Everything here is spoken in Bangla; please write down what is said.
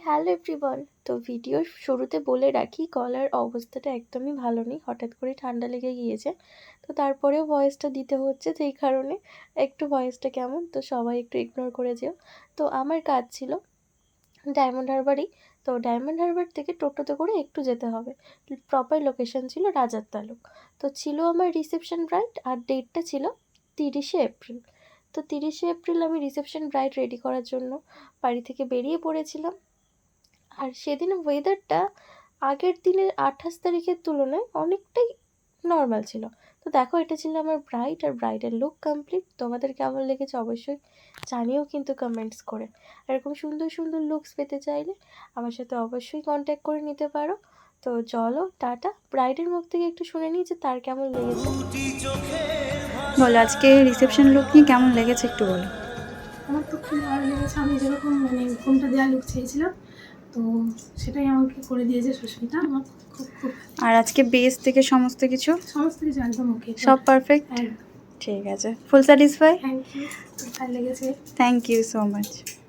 Hello everyone. তো ভিডিওর শুরুতে বলে রাখি, গলার অবস্থাটা একদমই ভালো নেই, হঠাৎ করে ঠান্ডা লেগে গিয়েছে। তো তারপরেও ভয়েসটা দিতে হচ্ছে, সেই কারণে একটু ভয়েসটা কেমন, তো সবাই একটু ইগনোর করে যেও। তো আমার কাজ ছিল ডায়মন্ড হারবারই। তো ডায়মন্ড হারবার থেকে টোটোতে করে একটু যেতে হবে, প্রপার লোকেশন ছিল রাজার তালুক। তো ছিল আমার রিসেপশন ব্রাইড, আর ডেটটা ছিল 30শে এপ্রিল। তো 30শে এপ্রিল আমি রিসেপশন ব্রাইড রেডি করার জন্য বাড়ি থেকে বেরিয়ে পড়েছিলাম। আর সেদিন ওয়েদারটা আগের দিনের 28 তারিখের তুলনায় অনেকটাই নর্মাল ছিল। তো দেখো, এটা ছিল আমার ব্রাইড, আর ব্রাইডের লুক কমপ্লিট। তোমাদের কেমন লেগেছে অবশ্যই জানিও কিন্তু কমেন্টস করে। এরকম সুন্দর সুন্দর লুকস পেতে চাইলে আমার সাথে অবশ্যই কন্ট্যাক্ট করে নিতে পারো। তো চলো টাটা, ব্রাইডের মুখ থেকে একটু শুনে নিই যে তার কেমন লেগেছে। বলো, আজকে রিসেপশন লুক নিয়ে কেমন লেগেছে একটু বলো। আমার তো খুব ভালো লেগেছে। আমি যেরকম ঘুমটা দেওয়া লুক চেয়েছিলাম, তো সেটাই আমাকে করে দিয়েছে সুস্মিতা। আমার খুব খুব আর আজকে বেস থেকে সমস্ত কিছু সমস্ত কিছু একদম ওকে, সব পারফেক্ট। একদম। ঠিক আছে, ফুল স্যাটিসফাই। থ্যাংক ইউ, ভালো লেগেছে। Thank you so much.